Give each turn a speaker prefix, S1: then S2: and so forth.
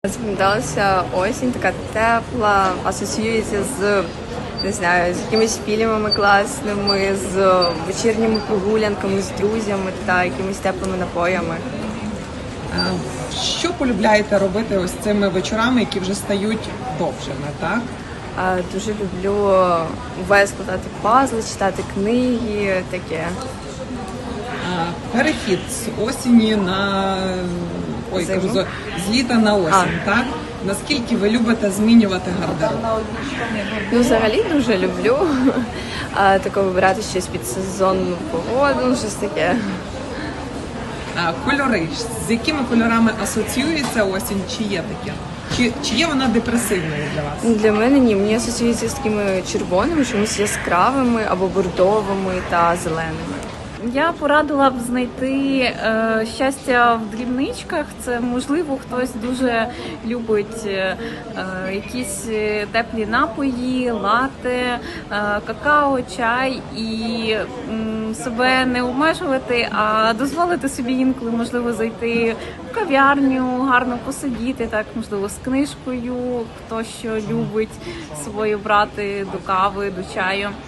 S1: Запам'яталася осінь, така тепла, асоціюється з, не знаю, з якимись фільмами класними, з вечірніми прогулянками, з друзями та якимись теплими напоями.
S2: Що полюбляєте робити ось цими вечорами, які вже стають довшими, так?
S1: Дуже люблю увесь складати пазли, читати книги, таке.
S2: Перехід з осені на
S1: Зиму.
S2: з літа на осінь, так? Наскільки ви любите змінювати гардероб?
S1: Ну, взагалі дуже люблю таке вибирати щось під сезонну погоду, щось таке.
S2: Кольори. З якими кольорами асоціюється осінь? Чи є таке? Чи є вона депресивною для вас?
S1: Для мене ні, мені асоціюється з такими червоними, чомусь яскравими або бордовими та зеленими.
S3: Я порадила б знайти щастя в дрібничках. Це, можливо, хтось дуже любить якісь теплі напої, лате, какао, чай і себе не обмежувати, а дозволити собі інколи, можливо, зайти в кав'ярню, гарно посидіти, так, можливо, з книжкою, хто що любить з собою брати до кави, до чаю.